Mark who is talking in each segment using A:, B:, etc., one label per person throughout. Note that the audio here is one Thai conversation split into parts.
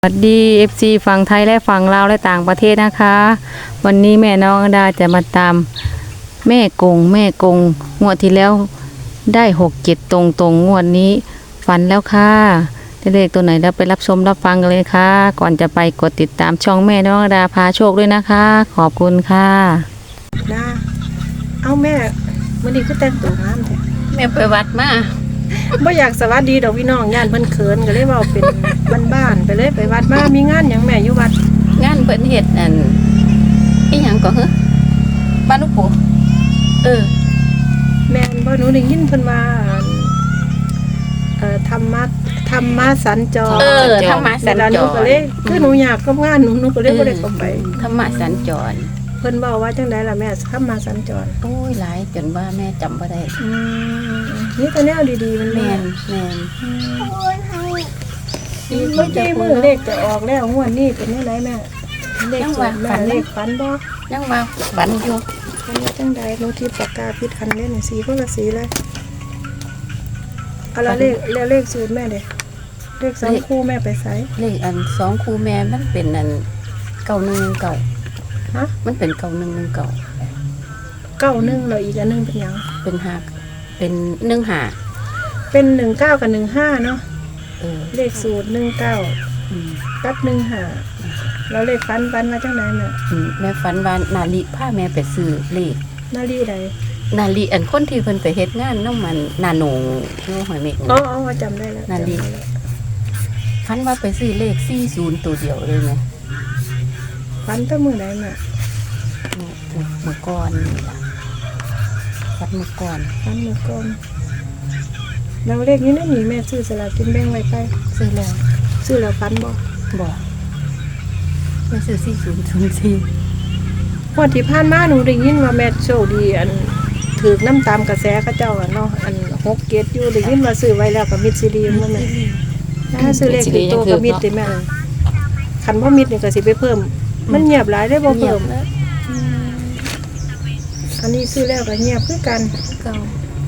A: สวัสดี FC ฝั่งไทยและฝั่งลาวและต่างประเทศนะคะ วันนี้แม่น้องดาจะมาตามแม่กงงวดที่แล้วได้6-7ตรงงวดนี้ฝันแล้วค่ะได้เลขตัวไหนแล้วไปรับชมรับฟังกันเลยค่ะ ก่อนจะไปกดติดตามช่องแม่น้องดาพาโชคด้วยนะคะ ขอบคุณค่ะ
B: นะเอาแม่มันนี้ก็แต่งตัวงามแท้
C: แม่ไปวัดมา
B: บ่อยากสวัสดีดอกพี่น้องย่านเพิ่นเขินก็เลยเว้าเป็นบ้านๆไปเลยไปวัดมามีงานหยังแม่อยู่วัด
C: งานเพิ่นเฮ็ดอันอีหยังก็คือบ้านลูกปู่
B: แม่นบ่หนูได้ยินเพิ่นว่าธรรมะสัญจร
C: ธรรมะสัญ
B: แล้วห
C: จ
B: นูก็เล
C: ร
B: ยคือหนูอยากกับงานหนูก็เลยบ่ได้เข้าไป
C: ธรรมะสัญจร
B: เพิ่นเว้าว่าจังไดล่ะแม่ธรรมะสัญจร
C: โอ้ยหลายจนว่าแม่จำบ่ได้
B: นี่แต่แนวดีๆมัน
C: แม่น
B: เมื่อกี้มือเลขจะออกแล้วงวดนี้เป็นจังไดแม่เลขสดแม่เลขฝันบ่
C: ยังว่าฝันอยู่
B: ฝันว่าจังใดหนูที่ปากกาพิดคันเล่นสีคนละสีเลยเอาละเลขสูตรแม่เด้เลข2คู่แม่ไปใส่
C: เลขอัน2คู่แม่มันเป็นอัน9119
B: ฮะ
C: มันเป็น9119
B: 91แล้วอีกอันนึงเป็นหยัง
C: เป็นหักเป็น15
B: เป็น19กับ15เนาะ เลขสูตร19
C: อืม
B: กับ15แล้วเลขฝันมาจังไดแม่
C: แม่ฝันว่านาลิพาแม่ไปซื้อเลข
B: นาลีใด
C: นาลีอันคนที่เพิ่นไปเฮ็ดงานน้องมันนาโหนงอยู่หอยเม็กนี่
B: อ๋อจำได้แล้ว
C: นาลี ฝันว่าไปซื้อเลข40ตัวเดียวเลยไหม
B: ฝันแต่มื้อใดแม่
C: เมื่อก่อนนี่ล่ะฝันเมื่อก่อน
B: ฝันมื้อก่อนแล้วเลขนี้นั่นนี่แม่ซื้อสลากกินแบ่งไว้ไป
C: ซื้อแล้ว
B: ซื้อแล้วฝันบ่
C: บอกไม่ซื้อ4004
B: งวดที่ผ่านมาหนูได้ยินว่าแม่โชคดีอันถือน้ำตามกระแสเขาเจ้าอะเนาะอัน6เกตอยู่ได้ยินว่าซื้อไว้แล้วกับมิตรซีดีว่าแม่ถ้าซื้อเลขติดตัวกับมิตรติแม่คันบ่มิตรนี่ก็สิไปเพิ่ม มันเงียบหลายได้บ่เพิ่มอันนี้ซื้อแล้วก็เงียบคือกัน
C: เก่า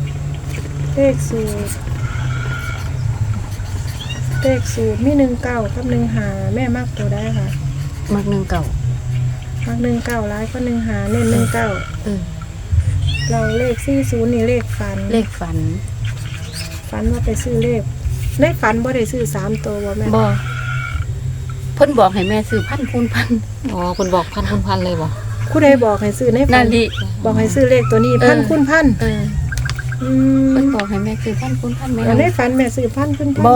B: เลขสูตรมี19กับ15แม่มักตัวได้ค่ะ
C: มัก1เก่า
B: มัก19หลายก็15เน้น19เราเลข40นี่เลขฝัน
C: เลขฝัน
B: ฝันว่าไปซื้อเลขในฝันบ่ได้ซื้อ3ตัวบ่แม่
C: บ่เพิ่นบอกให้แม่ซื้อพันคูณพัน
A: อ๋อคุณบอกพันคุณพันเลยบอก
B: ผู้ใดบอกให้ซื้อในฝั
C: นาลี
B: บอกให้ซื้อเลขตัวนี้พันคูณพัน
C: เพิ่นบอกให้แม่ซื้อพันคูณพันแม่
B: แล้วในฝันแม่ซื้อพันคูณพัน
C: บ่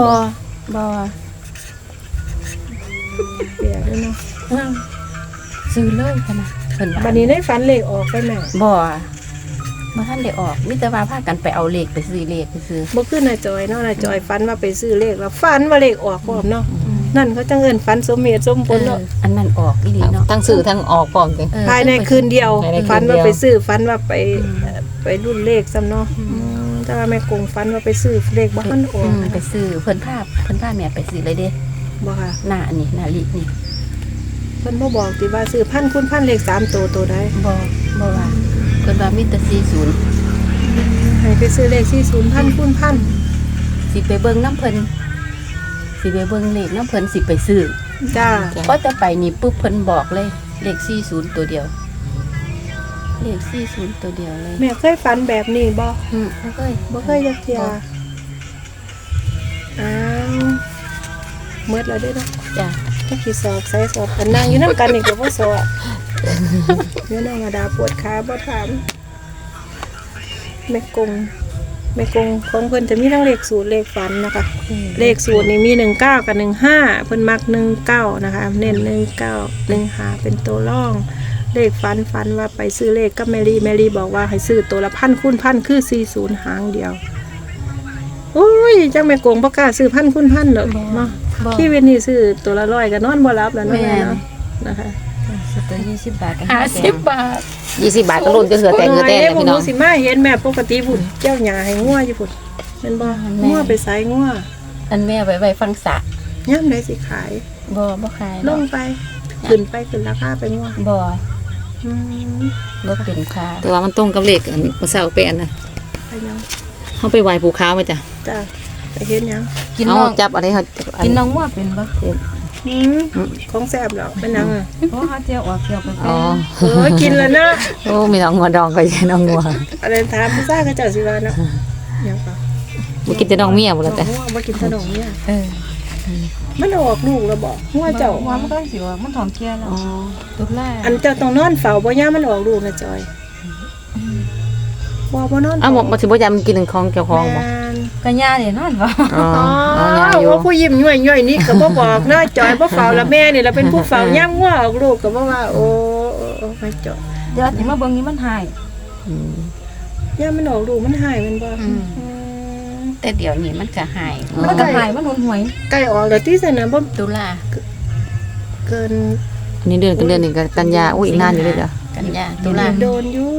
B: เปียกด้วยเนาะ
C: ซื้อเลยพะนะเพิ่นว่า
B: บัดนี้ในฝันเลขออกไปแม่
C: บ่ทันได้ออกมีแต่ว่าพากันไปเอาเลขไปซื้อเลขไปซื้อ
B: บ่ขึ้นน่ะจอยเนาะน่ะจอยฝันว่าไปซื้อเลขแล้วฝันว่าเลขออกพร้อมเนาะนั่นเขาจังเอิ้นฝันสมเหตุสมผลเนาะ
C: อันนั้นออกอีหลีเนาะ
A: ทั้งสื่อทั้งออกพร้อมกัน
B: ภายในคืนเดียว
A: ภายในคืนเดียว
B: ฝันว่าไปซื้อฝันว่าไปรุ่นเลขซ้ำเนาะแต่ว่าแม่กงฝันว่าไปซื้อเลขบ่ทันออก
C: ไปซื้อเพิ่นพาแม่ไปซื้อเลยเด้
B: บ่ค่ะ
C: หน้าอันนี้หน้าลินี่
B: เพิ่นบ่บอกติว่าซื้อพันคูณพันเลข3ตัวใด
C: บ่ว่าเพิ่นว่ามีแต่40
B: ให้ไปซื้อเลข40พันคูณพัน
C: สิไปเบิ่งน้ำเพิ่นสิไปเบิ่งเลขน้ำเพิ่นสิไปซื้อ
B: จ้า
C: พอจะไปนี่ปุ๊บเพิ่นบอกเลยเลข40ตัวเดียวเลข40ตัวเดียวเลย
B: แม่เคยฝันแบบนี้บ่
C: บ่เคย
B: บ่เคยจักเที่ยอ้าวหมดแล้วเด้อเนาะ
C: จ้ะ
B: ถ้าสิสอบใส่สอบกันนั่งอยู่นำกันนี่ก็บ่สอบเดี๋ยวน้องอดาปวดขาบ่ถามแม่กงของเพิ่นจะมีทั้งเลขสูตรเลขฝันนะคะ เลขสูตรนี่มี19กับ15เพิ่นมัก19นะคะเน้น19 15เป็นตัวรอง เลขฝันว่าไปซื้อเลขกับแมรี่บอกว่าให้ซื้อตัวละพันคูณพันคือ40หางเดียวอุ้ยจังแม่กงบ่กล้าซื้อพันคูณพันดอกเนาะชีวิตนี้ซื้อตัวละ100ก็นอนบ่หลับแล้วเนาะแม่เนาะนะคะ
C: ซื้อตัว20 บาทก็ 50 บาท
A: 20 บาทก็ลุ้นก็เสือแต่เงือแตนเลยพี่น้อง
B: สิมาเห็นแม่ปกติพุ่นเจ้าหญ้าให้งัวอยู่พุ่นแม่นบ่งัวไปไสงัว
C: อันแม่ไว้ฟังสะ
B: ยามใดสิขาย
C: บ่ขาย
B: ลงไปขึ้นราคาไปงัว
C: บ่
B: อืม
C: บ่เป็นค่า
A: แต่ว่ามันตรงกับเลขอันนี้เศร้าไปอันนะ
B: ไปยัง
A: เขาไปไหว้ภูเขาไหมจ้ะ
B: จ้าไปเห็นยัง
C: กิน
A: เอา
C: น้อง
A: จับอะไรเขา
C: กินน้องว่าเป็นบ่
B: ของแซ่บแล้วเป็นหยังอ่ะ
C: เพราะเขาเจียวออกเจียวไป
A: อ๋อ
B: กินแล้วเนาะ
A: โอ้มีน้องงัวดองก็ใช่น้องงัว
B: อะไรถามผู้ซ่าก็เจ้าสิว่าเนาะหยังปะ
A: บ่กินแต่น้องเมียบ่ล่ะแต่
B: หัวบ่กินขนมเนี่ย
C: เออ
B: มันออกลูกแล้วบ่หัวเจ้า
C: ว่ามันก็สิว่ามันถอนเกียร์แล้วตุลา
B: อันเจ้าต้องนอนเฝ้าบ่ย่ามมันออกลูกนะจอยบ่นอน
A: อ้าวบ่สิบ่ยามกินของเจ้าของบ่
C: ก็ย่าเนี่ยนอนบ่
A: อ๋อ
B: อ๋อ
A: อ๋อยาอยู่
B: ว่าผู้ยิ้มย่อยๆนี่ก็บ่บอกเนาะจอยบ่เฝ้าละแม่นี่ละเป็นผู้เฝ้าย่ามงัวออกลูกก็บ่ว่าโอ้ไม่จอย
C: เดี๋ยวสิมาเบิ่งนี่มันหาย
A: อืม
B: ย่ามมันออกลูกมันหายมันบ่
C: แต่เดี๋ยวนี้มันก็หายมันก็หายมันหุนหวย
B: ใกล้ออกแล้วที่ซั่นน่ะบ่
C: ตุลา
B: เกิน
A: อันนี้เดือนกันเดือนหนึงก็กันยาอุ้ยอีกนานอยู่เลยเด้อ
C: กันยาตุลา
B: โดนอยู่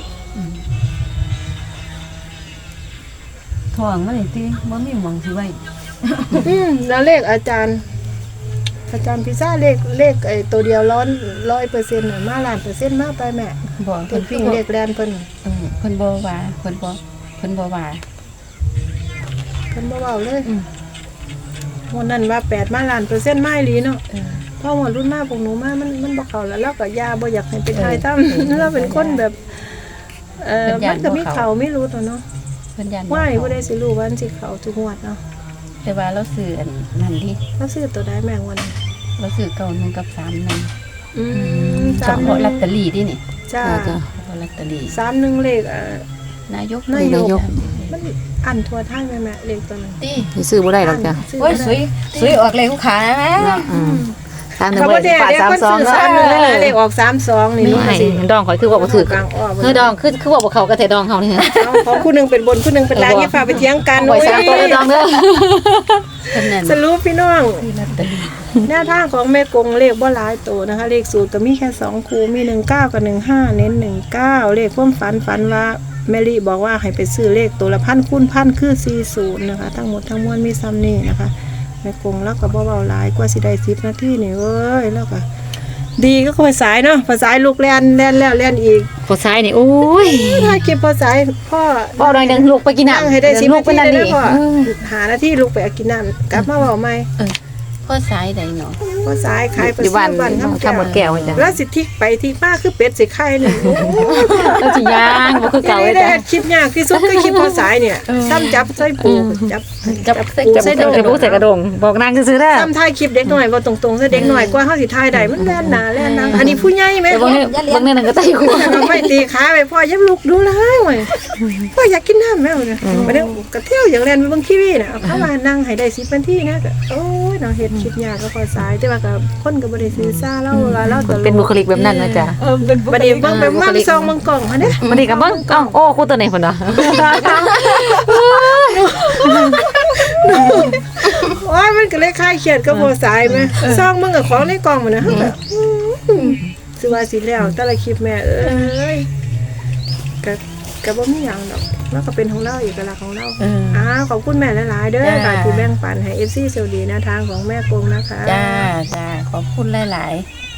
C: ท้องมันนี่ติบ่มีหม่องสิไว้
B: แล้วเลขอาจารย์พิซซ่าเลขไอ้ตัวเดียว100%น่ะมาล้านเปอร์เซ็นต์มาไปแม่
C: บ่
B: เพิ่นวิ่งเลขแลนเพิ่น
C: เพิ่นบ่ว่าเพิ่นบ่ว่า
B: เพิ่นบ่เว้าเลยวันนั้นว่า8มาล้านเปอร์เซ็นต์มาอีหลีเนาะพอหมดรุ่นมาพวกหนูมามันบ่เข้าแล้วเราก็ยาบ่อยากให้เป็นทายทำเราเป็นคนแบบมันก็มีเขาไม่รู้ตัวเนาะ
C: เพิ่นยัน
B: ว่าบ่ได้สิรู้ว่ามันสิเข้าทุกงวดเนาะ
C: แต่ว่าเราซื้ออันนั้นดิ
B: เราซื้อตัวใดแม่งวัน
C: เราซื้อเก่าหนึงกับ3นึง
B: สาม
C: เฉพาะลอตเตอรี่ดินี่
B: จ้า
A: จ้ะ
C: เฉพาะลอตเตอรี่
B: 31เลข
C: นายก
B: นายก
A: นายก
B: มันอันทั่วทางแม่เลขตัวนั้น
C: ติ
A: สิซื้อบ่ได้หรอกจ้ะ
B: ซื้
C: โอ้ย
B: บ่ได้
C: สวยออกเลยลูกค้านะแม่
A: อืมทางหนึง
B: เขา
A: บ่
B: บ่ได้
A: ได้
B: เดี๋ยว
A: ปา
B: คน
A: ด
B: ซื้อ
A: 32
B: 31
A: เด้
B: นะเลขออก32นี่
A: นี่
B: เนาะ
A: ให้
B: สิ
A: ดองข่อยคือว่าบ่ถูก
B: กลางอ้อ
A: เฮ้อดองคือว่าบ่เข้ากับแต่ดองเฮานี่ฮะ
B: ของผู้หนึงเป็นบนผู้หนึงเป็นล่างอย่าฝ่าไปเถียงกัน
A: ข่อยสามตัวเลยดองเด้อ
C: เพิ่นนั่น
B: สรุปพี่น้อง
C: ซื้อลอตเตอรี่
B: หน้าทางของแม่กงเลขบ่หลายตัวนะคะ เลขสูตรก็มีแค่2คู่มี19กับ15เน้น19เลขความฝันว่าแมรี่บอกว่าให้ไปซื้อเลขตัวละพันคูณพันคือ40นะคะทั้งหมดทั้งมวลมีซ้ำนี่นะคะแม่กงแล้วก็บ่เว้าหลายกว่าสิได้10นาทีนี่เว้ยแล้วก็ดีก็ภาษายเนาะภาษายลูกแล่นแล้วแล่นอีก
A: ผู้ชายนี่โอ้ย
B: ถ้าเก็บภาษายพ่อ
A: พ่อดอยนึงลูกไปกิน
B: นั่ง
A: น้ำ
B: ให้ได้10
A: ลู
B: นาก
A: ไป
B: ที
A: นั่น
B: ได้
A: ดิ
B: พ่อหานาทีลูกไปเอากินน้ำกลับมาเว้าใหม่
C: พ่อสายใดเนาะ
B: ภาษายขายภา
A: อยู่
B: ษา
A: บ้าน
B: บ้าน
A: ทำหมดแก้วจ้ะ
B: แล้วสิทิกไปทิกมาคือเป็ดสิไข่นี่
A: แล้วสิย่างบ่คือเก่าเลย
B: ได้
A: จ้ะ
B: คลิปยากที่สุดคือคลิปภาษายเนี่ยซ้ำจับใส่ปูจับ
C: ใส่
B: ปู
A: จะ
B: ใส่
A: บ่
B: ดง
A: จะบ่ใส่กระดงบอกนางซื่อๆเด้อ
B: ซ้ำถ่ายคลิปเด็กหน่อยบ่ตรงๆใส่เด็กหน่อยกว่าเฮาสิถ่ายได้มันแล่นหน้าแล่นหลังอันนี้ผู้ใหญ่แม่
A: แต่บางเนี่ยบางเนี่ยนั่นก็ไต้หัว
B: ไม่ตีขาไปพ่ออย่าลุกดูเลยเว้ยพ่ออยากกินน้ำแม่เนี่ยบ่ได้กระเที่ยวอย่างแล่นไปเบิ่งทีวีน่ะเอาเข้ามานั่งให้ได้10นาทีนะก็โอ้ยเนาะเฮ็ดคลิปยากก็ภาษายแต่ว่าก็คนก็บ่ได้ซื้อซ่าเราเราตลก
A: เป็นบุคลิกแบบนั้นนะจ๊ะ
B: บัดนี้เบิ่งไปมั่งซองเบิ่งกล่องหั่นเด้
A: มันนี่กับเบิ่งเอ้าโอ้คู่ตัวไหนพุ่นเนาะ
B: โอ้ยมันก็เลยคลายเครียดกับบ่สายแม่ซองมึงกับของในกล่องมันนะสิว่าสิแล้วแต่ละคลิปแม่เอ้ยก็บ่มีหยังดอกแล้วก็เป็นของเราเอกลักษณ์ของเราขอบคุณแม่หลายๆเด้อค่ะที่แบ่งปันให้ FC เซลดีแนวทางของแม่กงนะคะ
C: จ้าขอบคุณหลายๆ